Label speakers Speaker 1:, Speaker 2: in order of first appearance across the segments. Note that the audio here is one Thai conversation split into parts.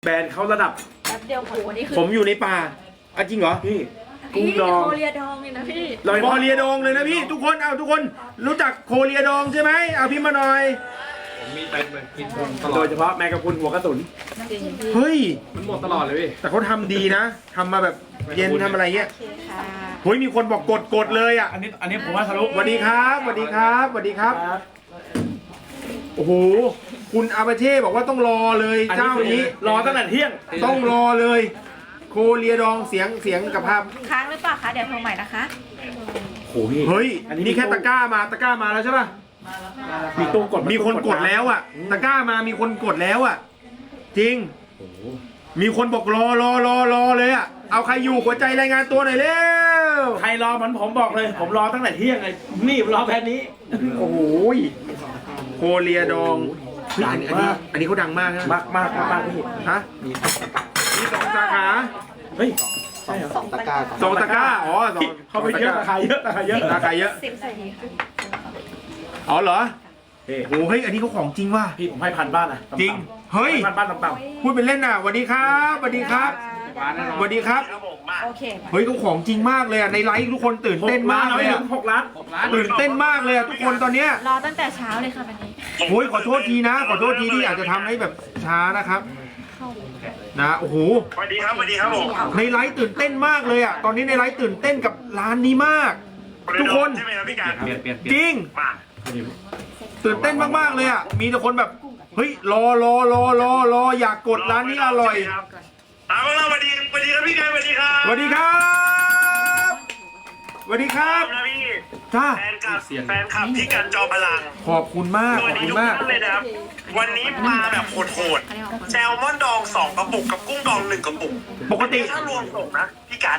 Speaker 1: แบรนด์เขาระดับ
Speaker 2: แป๊บเดียวโอ้โหนี่คือ
Speaker 3: ผมอยู่ในป่าจริงเหรอ
Speaker 1: พี่
Speaker 2: พี่
Speaker 1: กุ้งดอง
Speaker 2: โคเรียดองเลยนะพี่
Speaker 3: โคเรียดองเลยนะพี่ทุกคนทุกคนรู้จักโคเรียดองใช่ไหมเอาพี่มาหน่อย
Speaker 1: ผมมีเต็มเลยกินตลอดโดยเฉพาะแมงกะพรุนหัวกระสุน
Speaker 2: จริงพี่
Speaker 3: เฮ้ย
Speaker 1: มันหมดตลอดเลยพี่
Speaker 3: แต่เขาทำดีนะทำมาแบบเย็นทำอะไรเงี้ย
Speaker 2: โอเคค่ะ
Speaker 3: เฮ้ยมีคนบอกกดเลยอ่ะ
Speaker 1: อันนี้ผมว่าทะลุ
Speaker 3: สวัสดีครับสวัสดีครับสวัสดีครับโอ้โหคุณอาเปเช่บอกว่าต้องรอเลยเจ้านี้
Speaker 1: รอตั้งแต่เที่ยง
Speaker 3: ต้องรอเลย โคเรียดองเสียงกับภาพ
Speaker 2: ค้างหรือเปล่าคะเดี๋ยวโทรใหม่นะคะ
Speaker 1: โอ้พี่
Speaker 3: เฮ้ยนี่แค่ตะกร้ามาแล้วใช่ป่ะ
Speaker 1: มีตู้กด
Speaker 3: มีคนกดแล้วอ่ะตะกร้ามามีคนกดแล้วอ่ะจริง
Speaker 1: โอ้โห
Speaker 3: มีคนบอกรอเลยอ่ะเอาใครอยู่หัวใจรายงานตัวหน่อยเร็ว
Speaker 1: ใครรอมันผมบอกเลย ผมรอตั้งแต่เที่ยงเลยนี่รอแพนนี้
Speaker 3: โอ้โหโคเรียดองเฮ้ยอันนี้เขาดังมากนะ
Speaker 1: มากพี่
Speaker 3: ฮะมีสองสาขา
Speaker 1: เฮ้ยใช่เหรอ
Speaker 3: สองตะกร้าอ๋อสอง
Speaker 1: เขาไปเยอะราคาเยอะ
Speaker 3: ราคาเยอะ
Speaker 2: 10 สวัสดีค่ะ
Speaker 3: อ๋อเหรอ
Speaker 1: เฮ้ย
Speaker 3: โอ้เฮ้ยอันนี้เขาของจริงว่ะ
Speaker 1: พี่ผมให้พันบ้านนะ
Speaker 3: จริงเฮ้ย
Speaker 1: พันบ้านต่ำ
Speaker 3: พูดเป็นเล่นน่ะสวัสดีครับสวัสดีครับสวัสดีครับ
Speaker 2: โอเค
Speaker 3: เฮ้ยเขาของจริงมากเลยอ่ะในไลฟ์ทุกคนตื่น
Speaker 1: ๆ
Speaker 3: เต้นมากเลย
Speaker 1: ถึ
Speaker 3: อ่ะ
Speaker 1: ง6 ล้าน
Speaker 3: ตื่นเต้นมากเลยอ่ะทุกคนตอนเนี้ย
Speaker 2: รอตั้งแต่เช้าเลยค่ะวันนี้
Speaker 3: โอ้ยขอโทษทีนะขอโทษทีที่อาจจะทำให้แบบช้านะครับนะโอ้โห
Speaker 4: สวัสดีครับสวัสดีครับผม
Speaker 3: ในไลฟ์ตื่นเต้นมากเลยอ่ะตอนนี้ในไลฟ์ตื่นเต้นกับร้านนี้มาก ทุกคน
Speaker 4: ใช่ไหมครับพี่การ
Speaker 1: เปลี่ยน
Speaker 3: จริง
Speaker 4: มา
Speaker 3: ตื่นเต้นมากๆเลยอ่ะมีแต่คนแบบเฮ้ยรออยากกดร้านนี้อร่อย
Speaker 4: เอาละสวัสดีครับพี่การสวัสดีครับ
Speaker 3: สวัสดีครับสวัสดีครับ
Speaker 4: นะพี่
Speaker 3: จ้า
Speaker 4: แฟนคลับพี่การจอพลัง
Speaker 3: ขอบคุณมาก
Speaker 4: ส
Speaker 3: ข
Speaker 4: วั
Speaker 3: อ
Speaker 4: ส
Speaker 3: บ
Speaker 4: ดี
Speaker 3: คุณ
Speaker 4: ทุก
Speaker 3: มาก
Speaker 4: ท่านเลยนะครับวันนี้มาแบบโหดๆแซลมอนดอง2 กระปุกกับกุ้งดอง1 กระปุก
Speaker 3: ปกติ
Speaker 4: ถ้ารวมส่งนะพี่กัน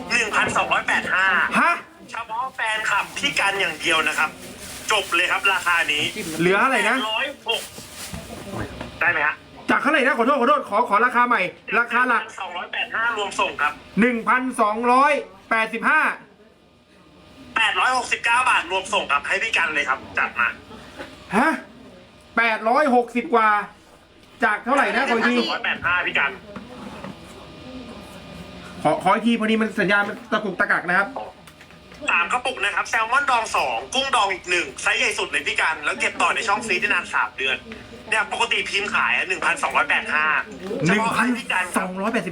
Speaker 4: 1,285
Speaker 3: ฮะ
Speaker 4: เฉพาะแฟนคลับพี่กันอย่างเดียวนะครับ จบเลยครับราคานี้
Speaker 3: เหลืออะไรนะ
Speaker 4: 106ได้ไหมฮะ
Speaker 3: จากเท่าไหร่นะขอโทษขอราคาใหม่ ราคาหลัก
Speaker 4: 285รวมส่งครับ
Speaker 3: 1,285
Speaker 4: 869 บาทรวมส่งครับให้พี่กันเลยครับ จัดมา
Speaker 3: ฮะ860 กว่า จากเท่าไหร่นะขออีกที
Speaker 4: 285พี่กัน
Speaker 3: ขออีกทีพอดีมันสัญญาณมันตะกุกตะกักนะครับ
Speaker 4: 3 กระปุกนะครับแซลมอนดอง 2 กุ้งดองอีก 1 ไซส์ใหญ่สุดเลยพี่กัน แล้วเก็บต่อในช่องฟรีซได้นาน 3 เดือนเนี่ยปกติพิมพ์ขาย 1,285เฉพาะให้พี่กันครับ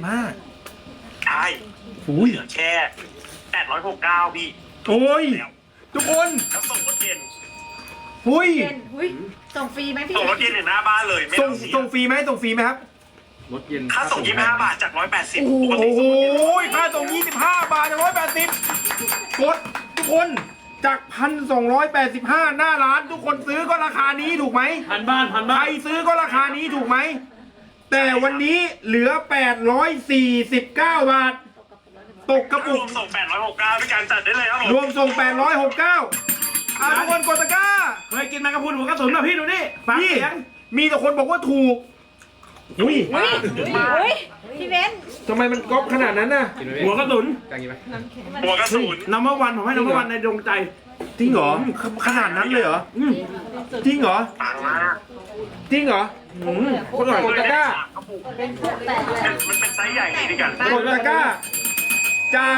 Speaker 3: 1,285
Speaker 4: ใช่
Speaker 3: อุ้ย
Speaker 4: เหลือแค่869พี่
Speaker 3: โอ้ยทุกคน
Speaker 4: แล้วส่งรถเย็น
Speaker 3: อุ้ย
Speaker 2: เย็นอุ้ยส่งฟรีไหมพี่
Speaker 4: ส่งรถเย็นถึงหน้าบ้านเลยไม่
Speaker 3: ส่
Speaker 4: ต้
Speaker 3: ง
Speaker 4: องเสีย
Speaker 3: ส่งฟรีไหมส่งฟรีไหมครับ
Speaker 1: รถเย็น
Speaker 4: ค่าส่ง25 บาทจาก180
Speaker 3: โอ้
Speaker 4: ปกติ
Speaker 3: โห
Speaker 4: ส่งรถเย็น
Speaker 3: ค่าส่ง25 บาทจาก180กดทุกคนจาก 1,285 หน้าร้านทุกคนซื้อก็ราคานี้ถูกไหม
Speaker 1: พันบ้าน
Speaker 3: ใครซื้อก็ราคานี้ถูกไหม แต่วันนี้เหลือ 849 บาท ตกกระ
Speaker 4: ร
Speaker 3: ปุ
Speaker 4: ว
Speaker 3: ก
Speaker 4: มส่ง869พี่การจัดได้เลยครับผม
Speaker 3: รวมส่ง 869ทุกคนกดตะกร้า
Speaker 1: เคยกินแมงกะพรุนหัวกระสุนป่ะพี่ดูนี่ฟัง
Speaker 3: พี่
Speaker 1: เสียง
Speaker 3: มีแต่คนบอกว่าถูก อุ้ย
Speaker 2: อุ้ยพี่เบน
Speaker 3: ทำไมมันก๊อปขนาดนั้นน่ะ
Speaker 1: หัวกระสุน
Speaker 4: หัวกระสุน
Speaker 1: นัมเบอร์วันผมให้นัมเบอร์วันในดวงใจ
Speaker 3: จริงเหรอ ขนาดนั้นเลยเหรอ จริงเหรอ
Speaker 4: ปังมาก
Speaker 3: จริงเหรอคนกดตะกร้า
Speaker 4: มันเป็นไซส์ใหญ่นี่พี่กัน
Speaker 3: กดตะกร้า จาก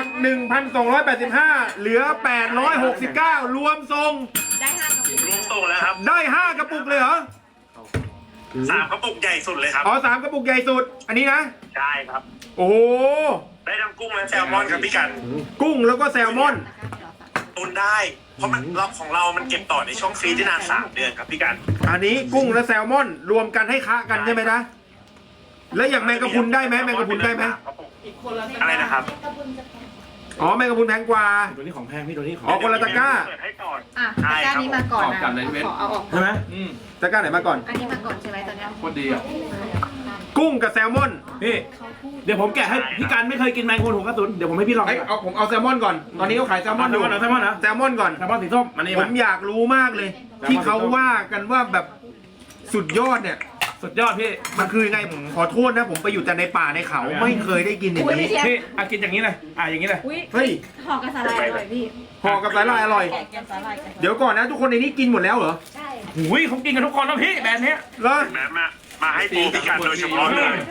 Speaker 3: 1,285 เหลือ 869 รวมส่ง
Speaker 2: ได้5 กระปุก
Speaker 4: รวมส่งแล้วครับ
Speaker 3: ได้ 5 กระปุกเลยเหรอ
Speaker 4: 3 กระปุกใหญ่สุดเลยครับ
Speaker 3: อ๋อ3 กระปุกใหญ่สุด อันนี้นะ
Speaker 4: ใช่ครับ
Speaker 3: โอ้โห
Speaker 4: ได้ทั้งกุ้งและแซลมอนครับพี่กัน
Speaker 3: กุ้งแล้วก็แซลมอน
Speaker 4: ตุนได้ เพราะมันเราของเรามันเก็บต่อในช่องฟรีซได้นาน3 เดือนครับพี่กัน
Speaker 3: อันนี้กุ้งและแซลมอน รวมกันให้ค้ากันใช่ไหมนะ แล้วอย่างแมงกะพรุนได้ไหมแมงกะพรุนได้ไหม
Speaker 4: อะไรนะครับ
Speaker 3: อ๋อแมงกะพรุนแพงกว่า
Speaker 1: ตัวนี้ของแพงพี่ตัวนี้ของ
Speaker 3: อ๋อ คนละตะกร้า
Speaker 4: เปิดให้ก่อน
Speaker 2: อ่ะตะกร้านี้มาก่อนนะขอเอาออก
Speaker 1: ใช่ไหม
Speaker 3: ตะกร้าไหนมาก่อน
Speaker 2: อันนี้มาก่อนใช่ไหมตอนเนี้ย
Speaker 1: โคตรดีอ่ะ
Speaker 3: กุ้งกับแซลมอน
Speaker 1: พี่เดี๋ยวผมแกะให้พี่การไม่เคยกินแมงกะพรุนหัวกระสุนเดี๋ยวผมให้พี่ลอง
Speaker 3: ผมเอาแซลมอนก่อน ตอนนี้เขาขายแซลมอนอยู่
Speaker 1: แซลมอนนะ
Speaker 3: แซลมอนก่อน
Speaker 1: แซลมอนสีส้มมันนี่
Speaker 3: ผมอยากรู้มากเลย ที่เขาว่ากันว่าแบบสุดยอดเนี่ย
Speaker 1: สุดยอดพี่
Speaker 3: มันคือยังไงผมขอโทษนะ ผมไปอยู่แต่ในป่าในเขาไม่เคยได้กินอย่างนี้
Speaker 1: พี่กินอย่างนี้เลยอย่างนี้เลย
Speaker 2: อุ้ย
Speaker 3: เฮ้ย
Speaker 2: ห่อกับสาหร่ายอร่อยพี่
Speaker 3: ห่อกับสาหร่ายอร่อย
Speaker 2: แกะกับสาหร่ายกัน
Speaker 3: เดี๋ยวก่อนนะทุกคนในนี้กินหมดแล้วเหรอ
Speaker 2: ใช่
Speaker 1: หุยเขากินกันทุกคนแล้วพี่แบรนด์เนี้ย
Speaker 3: เหรอ
Speaker 4: มาให้ปูพี่กันโดยเฉพาะเลย
Speaker 2: ด้วยพี่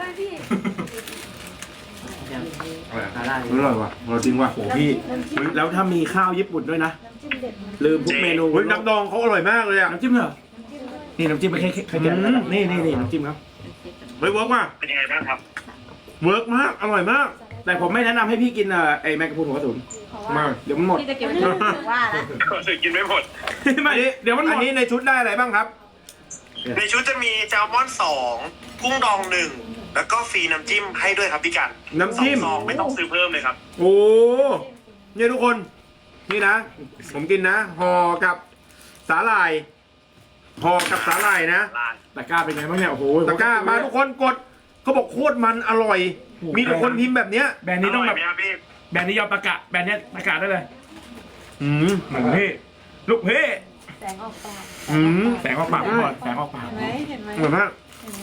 Speaker 1: สาหร่าย
Speaker 3: อร่อยว่ะอร่อยจริงว่ะ
Speaker 1: โอ้พี่แล้วถ้ามีข้าวญี่ปุ่นด้วยนะลืมทุกเมนู
Speaker 3: เฮ้ยน้ำดองเขาอร่อยมากเลยอ่ะ
Speaker 1: น้ำจิ้มเหรอนี่น้ำจิ้มไม่ใช่แค่นี่น้ำจิ้มครับ
Speaker 3: เฮ้ยเวิร์กมาก
Speaker 4: เป็นยังไงบ้างครับ
Speaker 3: เวิร์กมากอร่อยมาก
Speaker 1: แต่ผมไม่แนะนำให้พี่กินไอ้แมงกะพรุนหัวกระสุน
Speaker 3: มาก
Speaker 1: เดี๋ยวมันหมด
Speaker 2: พี่จะเก็บไว้ที่ว่าละ
Speaker 4: กินไม่หมด
Speaker 1: ไม่เดี๋ยวมันหม
Speaker 3: อั
Speaker 1: ด
Speaker 3: นนี้ในชุดได้อะไรบ้างครับ
Speaker 4: ในชุดจะมีแซลมอน2กุ้งดอง1แล้วก็ฟรีน้ำจิ้มให้ด้วยครับพี่กัน
Speaker 3: น้ำจิ้ม
Speaker 4: 2 ซองไม่ต้องซื้อเพิ่มเลยครับ
Speaker 3: โอ้เนี่ยทุกคนนี่นะ ผมกินนะห่อกับสาหร่ายห่อกับสาหร่ายนะ
Speaker 1: ตะกร้าเป็นไงบ้างเนี่ยโอ้โห
Speaker 3: ตะกร้ามาทุกคนกดเขาบอกโคตรมันอร่อย มีแต่คนพิมพ์แบบเนี้ย
Speaker 1: แบรนด์นี้ต้องแบบ
Speaker 4: ร่ยไหมครับพี่
Speaker 1: แบรนด์นี้ยอมประกาศแบรนด์นี้ประกาศได้เลย
Speaker 3: อืม
Speaker 1: เหมือนพี่ลูกเพ่
Speaker 2: แสงออกปาก
Speaker 3: อืม
Speaker 1: แสงออกปากก่อนแสงออกปาก
Speaker 2: เห็นไหม
Speaker 3: อร่อยมาก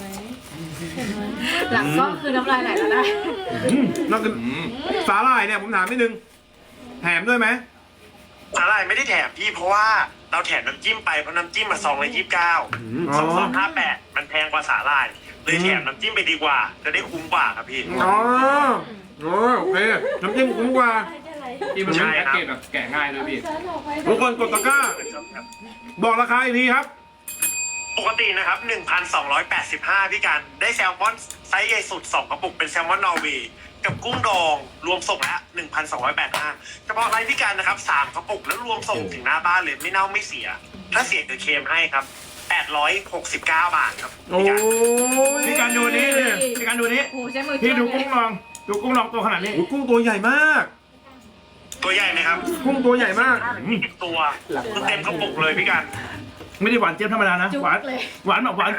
Speaker 2: หลังกล้องคือน้ำลายไหลแล้วได้
Speaker 3: นอกจากสาหร่ายเนี่ยผมถามนิดนึงแถมด้วยไหม
Speaker 4: สาหร่ายไม่ได้แถมพี่เพราะว่าเราแถมน้ำจิ้มไปเพราะน้ำจิ้มมาซองละ29
Speaker 3: อ๋อ
Speaker 4: 2258มันแพงกว่าสาหร่ายเลยแถมน้ำจิ้มไปดีกว่า จะได้คุ้มกว่าครับพี่
Speaker 3: อ๋อโอเคน้ำจิ้มคุ้มกว่า
Speaker 5: ที่มันเป็นแพ็กเกจแบบแกะง่ายด้วยพี่
Speaker 3: ทุกคนกดตะกร้า บอกราคาอีกทีครับ
Speaker 4: ปกตินะครับ 1,285 พี่กันได้แซลมอนไซส์ใหญ่สุด 2 กระปุกเป็นแซลมอนนอร์เวย์กับกุ้งดองรวมส่งละ 1,285 เฉพาะไลฟ์พี่กันนะครับ 3 กระปุกแล้วรวมส่งถึงหน้าบ้านเลยไม่เน่าไม่เสีย ถ้าเสียเดี๋ยวเคลมให้ครับ 869 บาทครับ
Speaker 3: โอ้
Speaker 4: พี่กัน
Speaker 3: ย
Speaker 1: พี่การดูนี้พี่การดูนี้
Speaker 2: โอ้ใช้มือ
Speaker 1: พี่ดู
Speaker 2: จ้ว
Speaker 1: กุ้งลองดูกุ้งลองตัวขนาดนี้
Speaker 3: โอ้ยกุ้งตัวใหญ่มาก
Speaker 4: ตัวใหญ่ไหมครับ
Speaker 3: กุ้งตัวใหญ่มาก
Speaker 4: 10 ตัวคือเต็มกระปุกเลยพี่กัน
Speaker 1: ไม่ได้หวานเจี๊ยบธรรมดานะ
Speaker 2: จุก
Speaker 1: หวาน
Speaker 2: เลย
Speaker 1: หวานแบบหวาน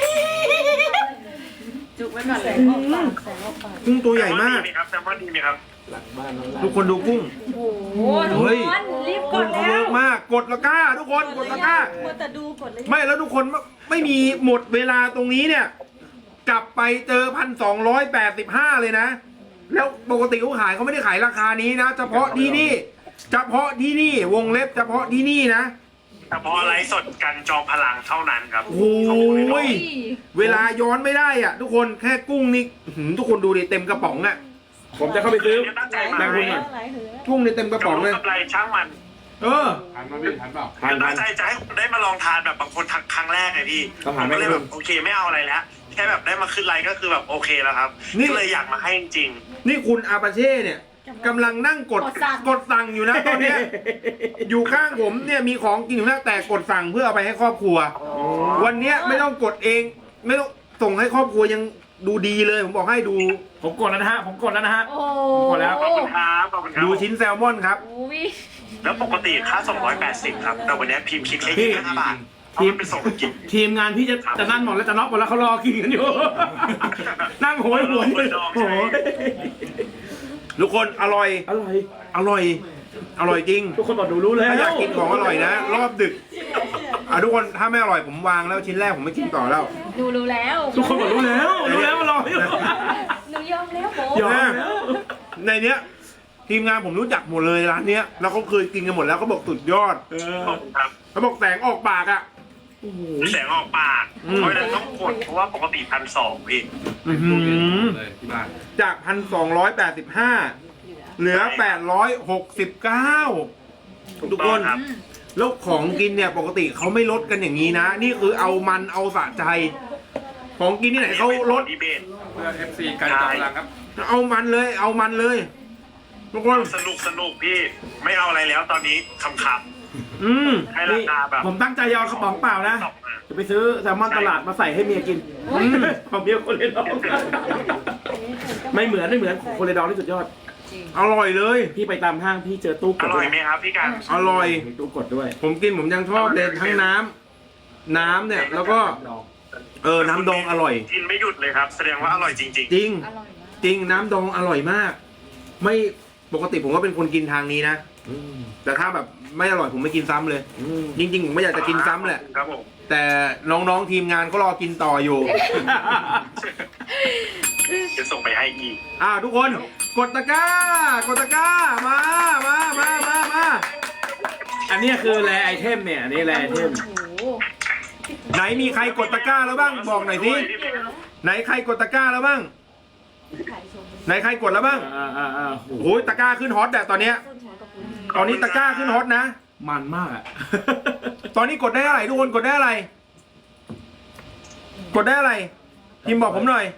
Speaker 2: จุกไว้ก่อนเลย
Speaker 3: กุ้งตัวใหญ่มาก
Speaker 4: ดีไหมครับแซลมอนดีไหมครับ
Speaker 3: ทุกคนดูกุ้ง
Speaker 2: โอ้โหทุก
Speaker 3: เฮ้ย
Speaker 2: คนรีบก
Speaker 3: กุ้
Speaker 2: ด
Speaker 3: งเขา
Speaker 2: แล้
Speaker 3: เวิ
Speaker 2: ว
Speaker 3: ร์กมากกดตะกร้า ทุกคนกดตะกร้า
Speaker 2: มัวแต่ดูกดเลย
Speaker 3: ไม่แล้วทุกคนไม่มีหมดเวลาตรงนี้เนี่ย กลับไปเจอ1,285เลยนะ แล้วปกติเขาขายเขาไม่ได้ขายราคานี้นะ เฉพาะที่นี่ เฉพาะที่นี่วงเล็บเฉพาะที่นี่นะ
Speaker 4: เฉพาะไลฟ์สดกันจอมพลังเท่านั้นครับ
Speaker 3: โอ้ยเวลาย้อนไม่ได้อ่ะ ทุกคนแค่กุ้งนี่ทุกคนดูดิเต็มกระป๋องอ่ะ
Speaker 1: ผมจะเข้าไปซื้อ
Speaker 4: ตั้งใจ
Speaker 1: แม
Speaker 4: มาง
Speaker 1: กะพรุนก่อน
Speaker 3: กุ้งนี่เต็มกระป๋องเลย
Speaker 4: กำไรช่างมัน
Speaker 3: เออ
Speaker 5: ทันมาพี่ทันเปล่า
Speaker 1: ผ่าน
Speaker 4: ตั้งใจจะให้คุณได้มาลองทานแบบบางคนทักครั้งแรกไงพี่
Speaker 1: ต้อง
Speaker 4: ผ
Speaker 1: หาม
Speaker 4: ก็เลย
Speaker 1: แม่
Speaker 4: แบบ
Speaker 1: กะพรุน
Speaker 4: โอเคไม่เอาอะไรแล้วแค่แบบได้มาขึ้นไลน์ก็คือแบบโอเคแล้วครับ
Speaker 3: นี่
Speaker 4: ก็เลยอยากมาให้จริง
Speaker 3: นี่คุณอาปาเช่เนี่ยกำลังนั่งกดสั่งอยู่นะตอนเนี้ย อยู่ข้างผมเนี่ยมีของกินอยู่นะแต่กดสั่งเพื่อเอาไปให้ครอบครัว วันเนี้ยไม่ต้องกดเอง ไม่ต้องส่งให้ครอบครัวยังดูดีเลยผมบอกให้ดู
Speaker 1: ผมกดแล้วนะฮะผมกดแล้วนะฮะ
Speaker 2: โอ้
Speaker 1: หมดแล้ว
Speaker 4: ๆขอบคุณครับขอบคุณครับ
Speaker 3: ดูชิ้นแซลมอนครับ
Speaker 2: โอ้ย
Speaker 4: แล้วปกติค่า280ครับแต่วันนี้พิมพ์คิดแค่
Speaker 1: พี่
Speaker 4: 25 บาทเพราะมันเป็นส่งกิน
Speaker 1: ทีมงานพี่จะนั่นหมดแล้วจะน็อกหมดแล้วเขารอกินกันอยู่ นั่งโหยหวน
Speaker 4: โหยดองใช่
Speaker 1: โอ้
Speaker 4: ไหม
Speaker 1: ย
Speaker 3: ทุกคนอร่อย
Speaker 1: อร่อย
Speaker 3: อร่อย อร่อยจริง
Speaker 1: ทุกคนบอกดูรู้แล้ว
Speaker 3: ถ้าอยากกินของอร่อยนะ รอบดึกทุกคนถ้าไม่อร่อยผมวางแล้วชิ้นแรกผมไม่กินต่อแล้ว
Speaker 2: ดูรู้แล้ว
Speaker 1: ทุกคนบอกรู้แล้วรู้แล้วมารออยู่
Speaker 2: หนูยอมแล้วโบ
Speaker 1: ยอมแล้ว
Speaker 3: ในเนี้ยทีมงานผมรู้จักหมดเลยร้านเนี้ยแล้วเขาเคยกินกันหมดแล้วเขาบอกสุดยอด
Speaker 4: ขอบคุณครับ
Speaker 3: เขาบอกแสงออกปากอ่ะ
Speaker 4: แสงออกปาก
Speaker 3: อืม
Speaker 4: เพราะฉะนั้นต้องกดเพราะว่าปกติ1,200พี่
Speaker 3: อื้อหือ
Speaker 5: เลยที่บ้าน
Speaker 3: จาก1,285เหลือ869ทุกคน
Speaker 4: ครับ
Speaker 3: แล้วของกินเนี่ยปกติเขาไม่ลดกันอย่างนี้นะ นี่คือเอามันเอาสะใจ ของกินที่ไหนเขาลด
Speaker 4: ดีเบต
Speaker 5: เพื่อ FC การจอมพลังครับ
Speaker 3: เอามันเลยเอามันเลยทุกคน
Speaker 4: สนุกพี่ไม่เอาอะไรแล้วตอนนี้คำ
Speaker 3: อืม
Speaker 4: ๆให้ราคาแบบ
Speaker 1: ผมตั้งใจจะเอากระป๋องเปล่านะ
Speaker 4: ตกมา
Speaker 1: จะไปซื้อแซลมอนตลาดมาใส่ให้เมียกินของเมียคนเลยดองไม่เหมือนของคนเลยดองที่สุดยอด
Speaker 3: อร่อยเลย
Speaker 1: พี่ไปตามห้างพี่เจอตู้ก
Speaker 4: อ
Speaker 1: ด
Speaker 4: ร่
Speaker 1: ด้
Speaker 4: อ
Speaker 1: วย ย
Speaker 4: ไหมครับพี่กัน
Speaker 3: อร่อย
Speaker 1: มีตู้กดด้วย
Speaker 3: ผมกินผมยังชอบเลยทั้งน้ำเนี่ยแล้วก็น้ำดองอร่อย
Speaker 4: กินไม่หยุดเลยครับ แสดงว่าอร่อยจริง
Speaker 3: จริง
Speaker 2: อร่อยมาก
Speaker 3: จริงน้ำดองอร่อยมาก ไม่ปกติผมก็เป็นคนกินทางนี้นะ แต่ถ้าแบบไม่อร่อยผมไม่กินซ้ำเลย จริง ๆ ผมไม่อยากจะกินซ้ำแหละ
Speaker 4: ครับผม
Speaker 3: แต่น้องๆทีมงานก็รอกินต่ออยู่
Speaker 4: จะส่งไปให้อีก
Speaker 3: ทุกคนกดตะกร้ากดตะกร้ามา
Speaker 1: อันนี้คือแรไอเทมเนี่ยอันนี้แรไอเทม
Speaker 2: โอ้โห
Speaker 3: ไหนมีใครกดตะกร้าแล้วบ้างบอกหน่อยสิไหนใครกดตะกร้าแล้วบ้างไหนใครกดแล้วบ้าง โอ้โหตะกร้าขึ้นฮอตอะตอนเนี้ย ตอนนี้ตะกร้าขึ้นฮอตนะ
Speaker 1: มันมากอ่ะ
Speaker 3: ตอนนี้กดได้อะไรทุกคนกดได้อะไร กดได้อะไรพิมพ์บอกผมหน่อย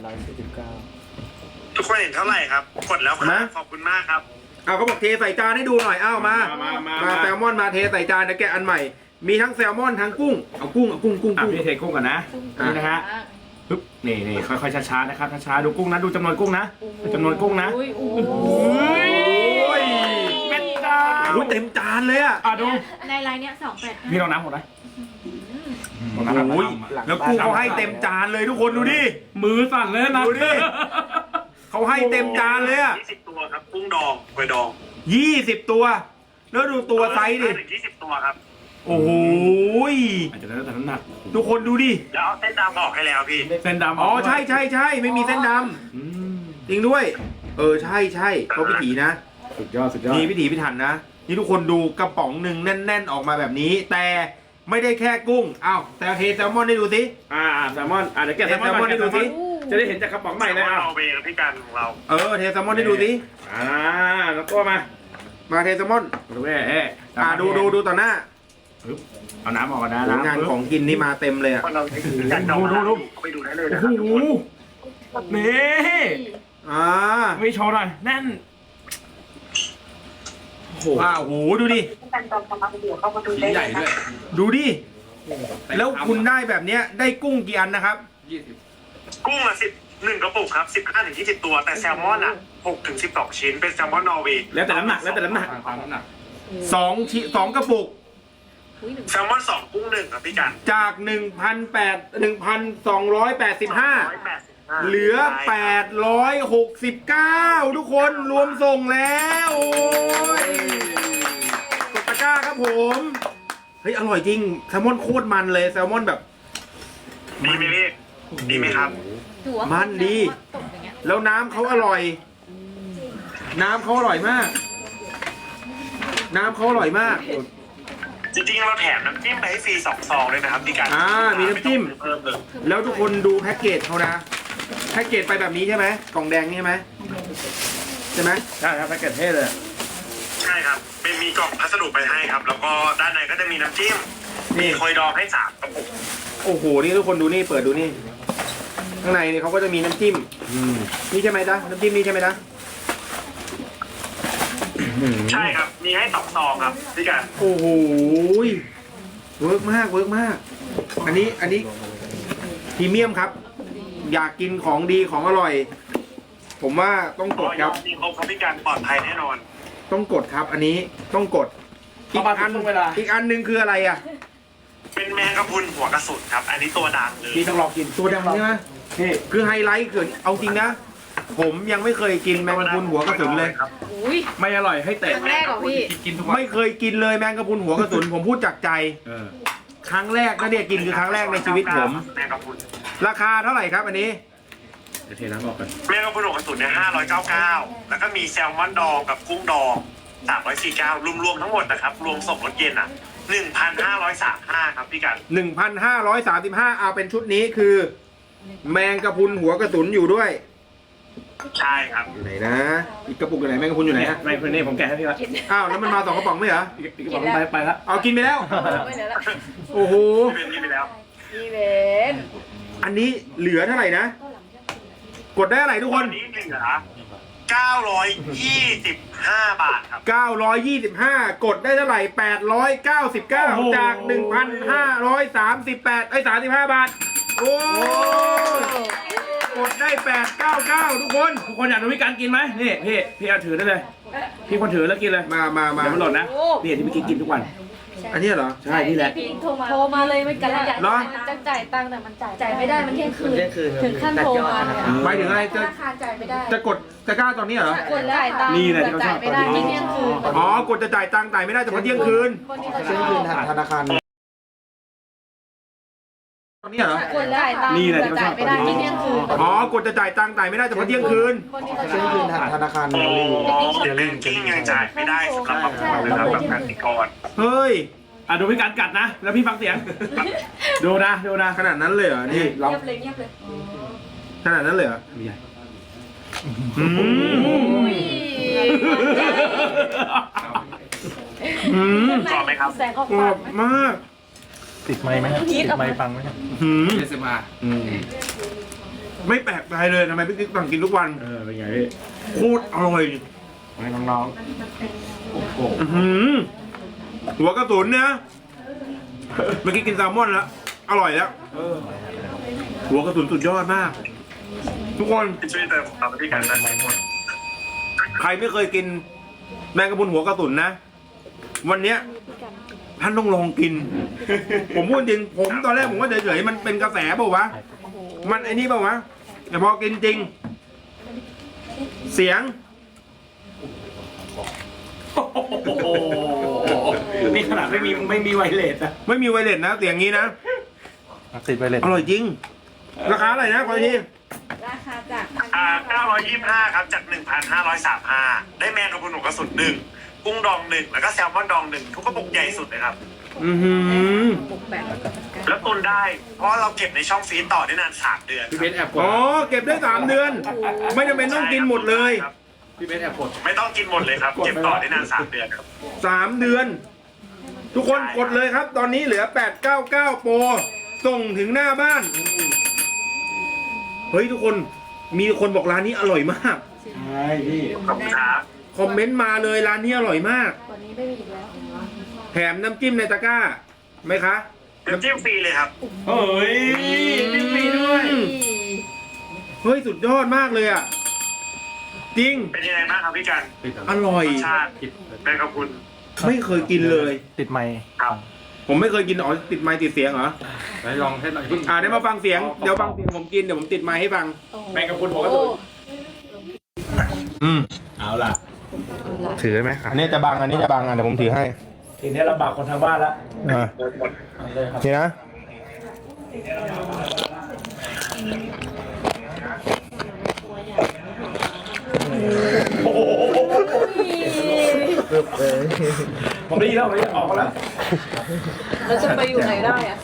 Speaker 4: ทุกคนเห็นเท่าไหร่ครับ กดแล้วค
Speaker 3: นะ
Speaker 4: รับขอบคุณมากครับ
Speaker 3: เอาเขาบอกเทใส่จานให้ดูหน่อยอ้าวมาแซลมอนมาเทใส่จานเดี๋ยวแกะอันใหม่ มีทั้งแซลมอนทั้งกุ้งเอากุ้งกุ้ง
Speaker 1: อ่ะพี่เทกุ้งก่อนนะนี่นะฮะปึ๊บนี่ค่อยๆช้าๆนะครับช้าๆดูกุ้งนะดูจำนวนกุ้งนะจำนวนกุ้งนะ
Speaker 2: โอ้ยโอ้
Speaker 3: โอ้ย
Speaker 1: เป็นจา
Speaker 3: โอ้ยเต็มจานเลยอะ
Speaker 1: ดู
Speaker 2: ในไลน์เนี้ย285
Speaker 1: พี่ลองน้ำหมดไหม
Speaker 3: โอ้ยแล้วกุ้งเขาให้เต็มจานเลยทุกคนดูดิ
Speaker 1: มือสั่นเลยนะ
Speaker 3: ดูดิ เขาให้เต็มจานเลยอะ
Speaker 4: 20 ตัวครับ กุ้งดองกล้วยดอง
Speaker 3: 20 ตัว แล้วดูตัวไซส์ดิ
Speaker 4: ถึง20 ตัวครับ
Speaker 3: โอ้โหย
Speaker 1: อาจจะแล้วแต่น้ำหนัก
Speaker 3: ทุกคนดูดิ
Speaker 4: แล้วเอาเส้นดำออกให้แล้วพี่
Speaker 1: เส้นดำ
Speaker 3: อ๋อใช่ไม่มีเส้นด
Speaker 1: อืม
Speaker 3: ำจริงด้วย ใช่เขาพิถีนะ
Speaker 1: สุดยอดสุดยอด
Speaker 3: นี่พิถีพิถันนะ นี่ทุกคนดูกระป๋องหนึ่งแน่น ๆ ออกมาแบบนี้ แต่ไม่ได้แค่กุ้งอ้าวแต่เทแซลมอนให้ดูสิ
Speaker 1: แซลมอนเดี๋ยวแกะแซลมอน
Speaker 3: แซลมอนให้ดูสิ
Speaker 1: จะได้เห็นจากกระป๋องใหม่เลย
Speaker 4: นอร์เวย์ครับพี่กันของเรา
Speaker 3: เทแซลมอนให้ดูสิ
Speaker 1: แล้วก็มา
Speaker 3: มาเทแซลมอน
Speaker 1: ดู
Speaker 3: ดูต่อหน้า
Speaker 1: ปึ๊บเอาน้ำออกก่อนนะ
Speaker 3: งานของกินนี่มาเต็มเลยอ่ะ
Speaker 4: เราอยากจะเอาไปดูได้เลยนะค
Speaker 1: โอ้
Speaker 4: รับ
Speaker 1: โหนี่
Speaker 3: ไม่
Speaker 1: ไม่โชว์หน่อยแน่นโอ้โห
Speaker 3: โอ้โหดูดิ
Speaker 5: ชิ้นใหญ่ด้วย
Speaker 3: ดูดิ แล้วคุณได้แบบเนี้ยได้กุ้งกี่อันนะครับ
Speaker 5: 20
Speaker 4: กุ้งละ1 กระปุกครับ 15 ถึง 20 ตัว แต่แซลมอน6 ถึง 12 ชิ้น เป็นแซลมอนนอร์เวย์
Speaker 1: แล้วแต่น้ำหนักแล้วแต่น้ำหนัก
Speaker 5: ตามน้ำหนัก
Speaker 3: 2 กระปุก
Speaker 4: แซลมอน2 กุ้ง1ครับพี่กัน
Speaker 3: จาก 1,285 เหลือ 869 ทุกคนรวมส่งแล้ว โอ้ยกดตะกร้าครับผม เฮ้ย อร่อยจริง แซลมอนโคตรมันเลย แซลมอนแบบ
Speaker 4: ดีไหมพี่ดีไหมครับ
Speaker 3: มันดี แล้วน้ำเขาอร่อย น้ำเขาอร่อยมาก น้ำเขาอร่อยมาก
Speaker 4: จริงๆเราแถมน้ำจิ้มไปให้ฟรี2 ซองเลยนะครับพี่กัน
Speaker 3: มีน้ำจิ้ม
Speaker 4: เพิ่มเลย
Speaker 3: แล้วทุกคนดูแพ็กเกจเขานะ แพ็กเกจไปแบบนี้ใช่ไหมกล่องแดงนี่ใช่ไหมใช่ไหม
Speaker 1: ใช่ครับแพ็กเกจเท่เลย
Speaker 4: ใช่ครับเป็นมีกล่องพัสดุไปให้ครับ แล้วก็ด้านในก็จะมีน้ำจิ้ม
Speaker 3: นี่
Speaker 4: คอยดองให้3 กระปุก
Speaker 3: โอ้โห นี่ทุกคนดูนี่ เปิดดูนี่ ข้างในนี่เขาก็จะมีน้ำจิ้ม นี่ใช่ไหมจ๊ะ น้ำจิ้มนี่ใช่ไหมจ๊ะ
Speaker 4: ใช่ครับ มีให้2 ซองครับพี่กัน
Speaker 3: โอ้โหเวิร์กมาก เวิร์กมาก อันนี้พรีเมียมครับ อยากกินของดีของอร่อย ผมว่าต้องกดครับ
Speaker 4: มีครบครับพี่กันปลอดภัยแน่นอน
Speaker 3: ต้องกดครับ อันนี้ต้องกด อีกอันหนึ่งคืออะไรอ่ะ
Speaker 4: เป็นแมงกะพรุนหัวกระสุนครับ อันนี้ตัวดังเลย
Speaker 1: พี่ต้องลองกิน
Speaker 3: ตัวดังใช่ไหมนี่คือไฮไลท์คือเอาจริงนะ ผมยังไม่เคยกินแมงกะพรุนหัวกระสุนเลย
Speaker 4: ครับ
Speaker 2: อุ้ย
Speaker 1: ไม่อร่อยให้เตะ
Speaker 2: ครั้งแรกเหรอพี่
Speaker 1: กินทุกวัน
Speaker 3: ไม่เคยกินเลยแมงกะพรุนหัวกระสุน ผมพูดจากใจ ครั้งแรกนะเนี่ยกินคือครั้งแรกในชีวิตผม
Speaker 4: แมงกะพรุน
Speaker 3: ราคาเท่าไหร่ครับอันนี้
Speaker 1: เดี๋ยวเทน้ำออกกัน
Speaker 4: แมงกะพรุนหัวกระสุนเนี่ย599แล้วก็มีแซลมอนดองกับกุ้งดอง349รวมๆทั้งหมดนะครับ รวมส่งรถเย็น1,535ครับพี่กัน
Speaker 3: 1,535เอาเป็นชุดนี้คือ แมงกะพรุนหัวกระสุนอยู่ด้วย
Speaker 4: ใช่ครับ
Speaker 3: อยู่ไหนนะ อีกกระปุกอยู่ไหนแมงกะพรุนอยู่ไหนฮะ
Speaker 1: ไม่เพื่อนนี่ผมแกะให้พี่ละ
Speaker 3: อ้าวแล้วมันมา2 กระป๋องไม่เหรอ
Speaker 1: อีกกระป๋องไปละ
Speaker 3: เอากินไปแล้ว
Speaker 2: ไม่เหลือละ
Speaker 3: โอ้โห
Speaker 4: เป็นนี่ไปแล้ว
Speaker 2: พี่เบน
Speaker 3: อันนี้เหลือเท่าไหร่นะ กดได้เท่าไหร่ทุกค
Speaker 4: วัน นนี้เหลือ925 บาทครับ
Speaker 3: 925 กดได้เท่าไหร่ 899 จาก 1,538 35 บาท โอ้กดได้ 899 ทุกคน
Speaker 1: ทุกคนอยากดูพี่การกินไหมนี่พี่เอาถือได้เลย พี่คนถือแล้วกินเลย
Speaker 3: มา
Speaker 1: เดี๋ยวมันหล่นนะนี่ที่พี่กินทุกวัน
Speaker 3: อันนี้เหรอ
Speaker 1: ใช่นี่แหละ
Speaker 2: พี่โทรมาเลยไม่กันละ
Speaker 3: เหรอ
Speaker 2: จะจ่ายตังค์แต่มันจ่ายไม่ได้มันเที่ยงคืน ถึงขั้นโทรมาเนี่ย
Speaker 3: หมายถึงอะไร
Speaker 2: ธนาคารจ่ายไม่ได้
Speaker 3: จะกดตะกร้าตอนนี้เหรอ
Speaker 2: กดแล้วจ่ายตังค์
Speaker 1: นี่แหละที่เขาช
Speaker 2: จ่า
Speaker 1: อย บ
Speaker 2: ไม่ได้ที่เที่ยงคืน
Speaker 3: อ๋อ กดจะจ่ายตังค์จ่ายไม่ได้แต่พอเที่ยงคืน
Speaker 2: คนที่เขาชอบ
Speaker 6: ธนาคาร
Speaker 3: ตอนนี้เหรอ
Speaker 2: กดแล้วจ่ายตังค์
Speaker 1: นี่แหละที่เขาช
Speaker 2: จ่า
Speaker 1: อย บ
Speaker 2: ไม่ได้ที่เที่ยงคืน
Speaker 3: อ๋อ กดจะจ่ายตังค์จ่ายไม่ได้แต่พอเที่ยงคืน
Speaker 2: คนที่เขาช
Speaker 6: เที่ยง
Speaker 2: อ
Speaker 6: คืน
Speaker 2: บ
Speaker 6: ธนาคาร
Speaker 4: เดี๋ยวเล่นกิ้งยังจ่ายไม่ได้สำหรับบางคนนะครับแบบกสิกร
Speaker 3: เฮ้ย
Speaker 1: ดูพี่การกัดนะ แล้วพี่ฟังเสียง ดูนะ
Speaker 3: ขนาดนั้นเลยเหรอ นี่
Speaker 2: เงียบเลย
Speaker 3: ขนาดนั้นเลยเหรอ
Speaker 1: ไม่ใหญ่
Speaker 3: อืมอืม
Speaker 4: กรอบไหมครับ
Speaker 2: แสงออก
Speaker 3: กร
Speaker 2: ปา
Speaker 3: อก บมาก
Speaker 6: ติดไม้ไหมติดไม้ฟังไหมครับ
Speaker 3: อืม
Speaker 1: เอสมา
Speaker 3: ไม่แปลกใจเลยทำไมพี่กิ๊กสั่งกินทุกวัน
Speaker 1: เป็นไงพี่
Speaker 3: โคตรอร่อย
Speaker 1: ให้น้อง
Speaker 3: อื้อหือหัวกระสุนเนี่ยเมื่อกี้กินแซลมอนแล้ว อร่อยแล้วหัวกระสุนสุดยอดมาก ทุกคน
Speaker 4: ช่วยเติมครับพี่กันนะ
Speaker 3: ใครไม่เคยกินแมงกะพรุนหัวกระสุนนะ วันเนี้ยท่านต้องลองกิน ผมพูดจริง ผมตอนแรกผมก็เฉยๆมันเป็นกระแสเปล่าวะ มันไอ้นี่เปล่าวะ แต่พอกินจริง เสียง
Speaker 1: โอ้โหนี่ขนาดไม่มีไวเลสอะ
Speaker 3: ไม่มีไวเลสนะ เสียงงี้นะ
Speaker 6: ติดไปเลย
Speaker 3: อร่อยจริง ราคาอะไรนะขออีกที
Speaker 2: ราคาจาก
Speaker 4: 925ครับจาก 1,535ได้แมงกะพรุนหัวกระสุน1กุ้งดอง1แล้วก็แซลมอนดอง1ทุกกระปุกใหญ่สุดเลยครับ
Speaker 3: อือหือ
Speaker 2: บุกแบบ
Speaker 4: แล้วตุนได้ เพราะเราเก็บในช่องฟรีซต่อได้นาน3 เดือน
Speaker 1: พี่เบนแอบกด
Speaker 3: อ๋อ เก็บได้3 เดือน ไม่จำเป็นต้องกินหมดเลย
Speaker 4: ครับ
Speaker 1: พี่เบนแอบกด
Speaker 4: ไม่ต้องกินหมดเลยครับ เก็บต่อได้นาน3 เดือนครับ
Speaker 3: 3 เดือน ทุกคนกดเลยครับ ตอนนี้เหลือ 899 โปร ส่งถึงหน้าบ้าน เฮ้ยทุกคน มีคนบอกร้านนี้อร่อยมาก
Speaker 1: ใช่พี่
Speaker 4: ขอบคุณครับ
Speaker 3: คอมเมนต์มาเลยร้านนี้อร่อยมาก
Speaker 2: ตอนนี้ไม่มีอีกแล้ว
Speaker 3: แถมน้ำจิ้มในตะกร้าไหมคะ
Speaker 4: น้ำจิ้มฟรีเลยครับ
Speaker 1: เฮ้ยพี่ฟรีด้วย
Speaker 3: เฮ้ย สุดยอดมากเลยอ่ะ จริง
Speaker 4: เป็นยังไงบ้างครับพี่กัน
Speaker 3: อร่อย
Speaker 4: รสชาติแมงกะพรุน
Speaker 3: ไม่เคยกินเลย
Speaker 6: ติดไม้
Speaker 4: ครับ
Speaker 3: ผมไม่เคยกินอ๋อติดไมค์ติดเสียงเหรอ
Speaker 1: ไหนลองให้หน่อย
Speaker 3: เดี๋ยวมาฟังเสียง เดี๋ยวฟังเสียงผมกิน เดี๋ยวผมติดไมค์ให้ฟัง
Speaker 1: แมงกะพรุนหัวกระสุน
Speaker 3: อืม
Speaker 1: เอาล่ะ
Speaker 3: ถือไหมอันนี้จะบัง อันนี้จะบังเดี๋ยวผมถือให้
Speaker 1: ทีนี้ลำบากคนทางบ้านละ
Speaker 3: เลยครับนี่นะ
Speaker 1: ผมได้ยินแล้วผมได้ออกมาแล้ว
Speaker 2: เราจะไปอยู่ไหนได้อะ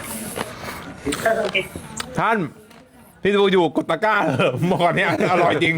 Speaker 3: ท่าน พี่ดูอยู่กดตะกร้าเถอะเมื่อก่อนเนี้ยอร่อยจริง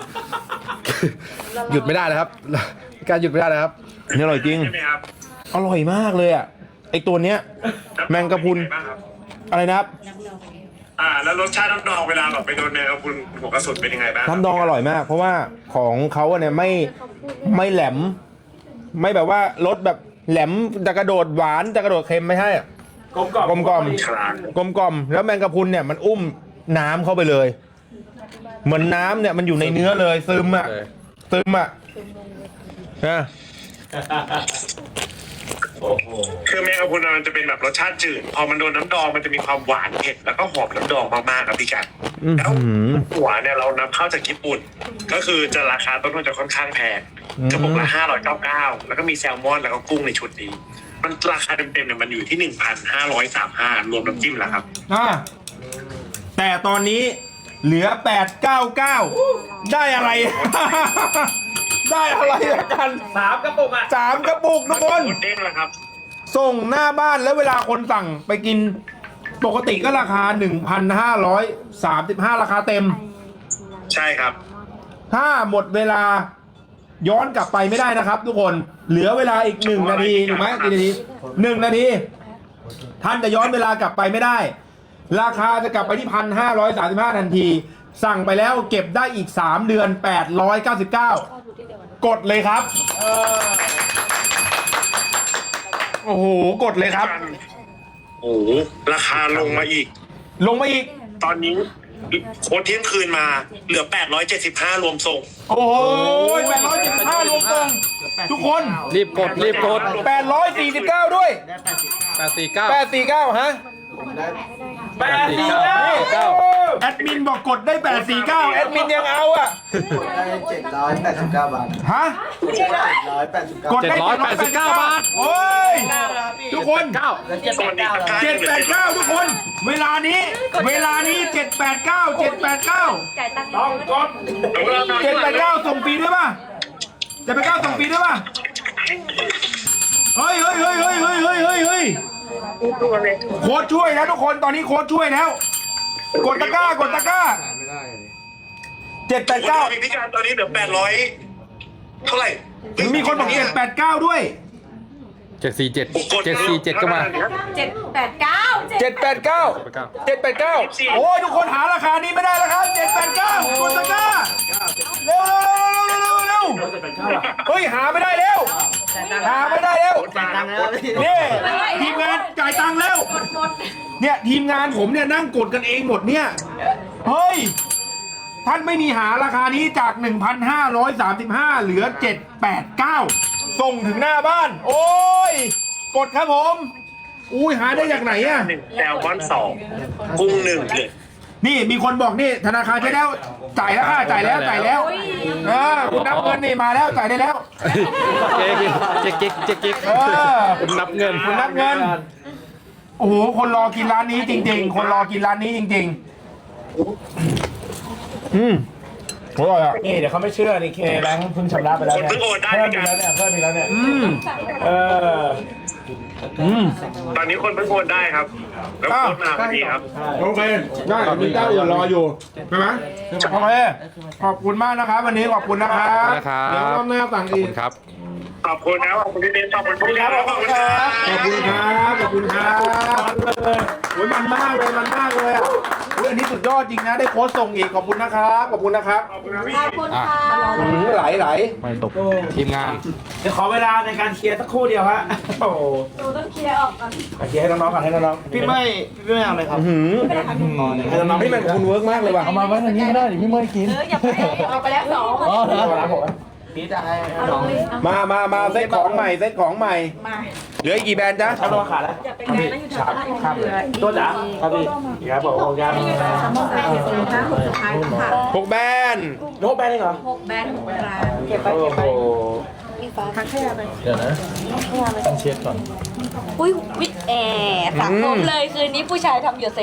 Speaker 6: หยุดไม่ได้นะครับ การหยุดไม่ได้นะครับ
Speaker 3: นี่อร่อยจริง
Speaker 4: ใช่ไหมครับ
Speaker 3: อร่อยมากเลยอ่ะ ไอตัวเนี้ย แมงกะพรุน
Speaker 4: เป็นยังไงบ้างครับ
Speaker 3: อะไรนะครับ
Speaker 4: แล้วรสชาติน้ำดองเวลาแบบไปโดนแมงกะพรุนหัวกระสุนเป็นยังไงบ้าง
Speaker 3: น้ำดองอร่อยมาก เพราะว่าของเขาเนี่ยไม่แหลม ไม่แบบว่ารสแบบแหลมจะกระโดดหวานจะกระโดดเค็มไม่ใช่อะ
Speaker 1: กลมกล่อม
Speaker 3: กลมกล่อม
Speaker 4: ครับ
Speaker 3: กลมกล่อมแล้วแมงกะพรุนเนี่ยมันอุ้มน้ำเข้าไปเลย เหมือนน้ำเนี่ยมันอยู่ในเนื้อเลยซึมอ่ะซึมอ่ะนะ
Speaker 1: โอ้โห
Speaker 4: คือแมงกะพรุนมันจะเป็นแบบรสชาติจืด พอมันโดนน้ำดองมันจะมีความหวานเผ็ดแล้วก็หอมน้ำดองมากๆครับพี่กัน แล้วหัวเนี่ยเรานำเข้าจากญี่ปุ่น ก็คือจะราคาต้นทุนจะค่อนข้างแพงกระปุกละ599แล้วก็มีแซลมอนแล้วก็กุ้งในชุดนี้ มันราคาเต็มๆเนี่ยมันอยู่ที่ 1,535รวมน้ำจิ้มแล้วครับ
Speaker 3: แต่ตอนนี้เหลือ 899 ได้อะไร ได้อะไรละกัน
Speaker 1: 3 กระปุกอ่ะ
Speaker 3: 3 กระปุกทุกคน
Speaker 4: หมดเด้งแล้วครับ
Speaker 3: ส่งหน้าบ้านแล้วเวลาคนสั่งไปกินปกติก็ราคา 1,535 ราคาเต็ม
Speaker 4: ใช่ครับ
Speaker 3: ถ้าหมดเวลาย้อนกลับไปไม่ได้นะครับ ทุกคนเหลือเวลาอีก1 นาทีถูกไหมกี่นาที1 นาที ท่านจะย้อนเวลากลับไปไม่ได้ ราคาจะกลับไปที่ 1,535 ทันที สั่งไปแล้วเก็บได้อีก3 เดือน 899 กดเลยครับ โอ้โห กดเลยครับ
Speaker 4: โอ้โหราคาลงมาอีก
Speaker 3: ลงมาอีก
Speaker 4: ตอนนี้โค้ดเที่ยงคืนมาเหลือ 875 รวมส่ง
Speaker 3: โอ้โห875รวมส่งทุกคน
Speaker 6: รีบกด รีบกด
Speaker 3: 849 ด้วย
Speaker 6: 849
Speaker 3: 849 ฮะ
Speaker 6: 849
Speaker 3: แอดมินบอกกดได้ 849 แอดมินยังเอาอ่ะ
Speaker 7: ได้789 บาท
Speaker 3: ฮะ
Speaker 7: 789
Speaker 3: กดได้
Speaker 6: 789 บาท
Speaker 3: โอ้ย ทุกคน 789 ทุกคน เวลานี้ 789
Speaker 2: จ่ายตังค์
Speaker 1: ต้องกด
Speaker 3: 789 ส่งฟรีด้วยป่ะ789 ส่งฟรีด้วยป่ะ เฮ้ยโค้ดช่วยแล้วทุกคน ตอนนี้โค้ดช่วยแล้ว กดตะกร้า
Speaker 7: ไม่ได้เลย
Speaker 3: 789
Speaker 4: พี่การตอนนี้เหลือ800เท่าไหร่
Speaker 3: มีคนบอก789ด้วย
Speaker 6: 747ก็มา
Speaker 2: 789
Speaker 3: 789 โอ้ยทุกคนหาราคานี้ไม่ได้แล้วครับ789คุณตะกร้าเร็วเฮ้ยหาไม่ได้เร็วหาไม่ได้เร็วนี่ทีมงานจ่ายตังค์แล้วเนี่ยทีมงานผมเนี่ยนั่งกดกันเองหมดเนี่ยเฮ้ยท่านไม่มีหาราคานี้จาก 1,535 เหลือ 789 ส่งถึงหน้าบ้าน โอ้ยกดครับผมอุ้ยหาได้จากไหนอะ
Speaker 4: 1แซลมอน2กุ้ง1
Speaker 3: นี่มีคนบอกนี่ธนาคารใช้แล้วจ่ายแล้วค่ะจ่ายแล้วคุณนับเงินนี่มาแล้วจ่ายได้แล้ว
Speaker 6: เจ๊ก คุณนับเงิน
Speaker 3: คุณนับเงินโอ้โหคนรอกินร้านนี้จริงๆ คนรอกินร้านนี้จริงๆอร่อยอ่ะ
Speaker 1: นี่เดี๋ยวเขาไม่เชื่อนี่เคแบงค์เพิ่งชำระไปแล้ว
Speaker 4: คน
Speaker 1: เนี่ย
Speaker 4: เพิ่งโอนได้
Speaker 1: เพิ่ม
Speaker 4: พี่
Speaker 1: อีก
Speaker 4: การ
Speaker 1: แล้วเนี่ยเพิ่มอีกแล้วเนี่ย
Speaker 4: ตอนนี้คนเพิ่งโอนได้ครับแล้วโอนมาพอดีครับ
Speaker 3: โอเคได้มีเจ้าอื่นรออยู่ใช่ไหมโอเคขอบคุณมากนะครับวันนี้ขอบคุณนะครับ
Speaker 6: นะครับ
Speaker 3: เดี๋ยวรอบหน้าสั่ง
Speaker 6: ขอบ
Speaker 3: อีก
Speaker 6: คุณครับ
Speaker 4: ขอบคุณครับขอบคุณพี่เบนขอบคุณพี่ครับขอบคุณครับ
Speaker 3: ขอบคุณครับขอบคุณครับโอ้ยมันมากเลยมันมากเลยอ่ะอุ๊ยอันนี้สุดยอดจริงนะได้โค้ดส่งอีกขอบคุณนะครับขอบคุณนะครับ
Speaker 2: ขอบคุณค่ะ
Speaker 3: ไหล
Speaker 6: ไม่ตกทีมงาน
Speaker 1: เดี๋ยวขอเวลาในการเคลียร์สักครู่เดียวฮะโอ้โห
Speaker 2: หนูต้องเคลียร์ออกก่อน
Speaker 1: เคลียร์ให้น้องๆก่อนให้น้องๆ
Speaker 7: พี่ไม่เอาเลยครับ
Speaker 1: ให้น้องๆ
Speaker 3: นี่มันคุณเวิร์กมากเลยว่ะ
Speaker 6: เอามาไว้ทางนี้ก็ได้พี่เมื่อกิน
Speaker 2: อย่าไปเอาไปแล้ว2
Speaker 6: อ๋อเหรอ
Speaker 1: ร้านผม
Speaker 7: พี่จะให้
Speaker 2: เอาเลย
Speaker 3: มาเซ็ตของใหม่เซ็ตของใหม่
Speaker 2: มา
Speaker 3: เหลืออีกกี่แบรนด์จ๊ะ
Speaker 1: เขาโดนขาดแล้ว
Speaker 2: อย่าไปไกลนะอยู่แถวบ้าน
Speaker 1: ครับตัวจ๋าครับพี่ครับผมครับ
Speaker 2: มองแบรนด์อยู่ตรงนั้นสุดท้ายค่ะ
Speaker 3: 6แบรนด์
Speaker 1: โน้ตแบนเองเหรอ
Speaker 2: 6แบรนด์6ร้าน
Speaker 1: เก็บไปเก็บไป
Speaker 2: ทักขยะไป
Speaker 6: เดี๋ยวนะต้องเช็ดก่อน
Speaker 2: อุ้ยวิทแอร์สังคมเลยคืนนี้ผู้ชายทำหยดใส่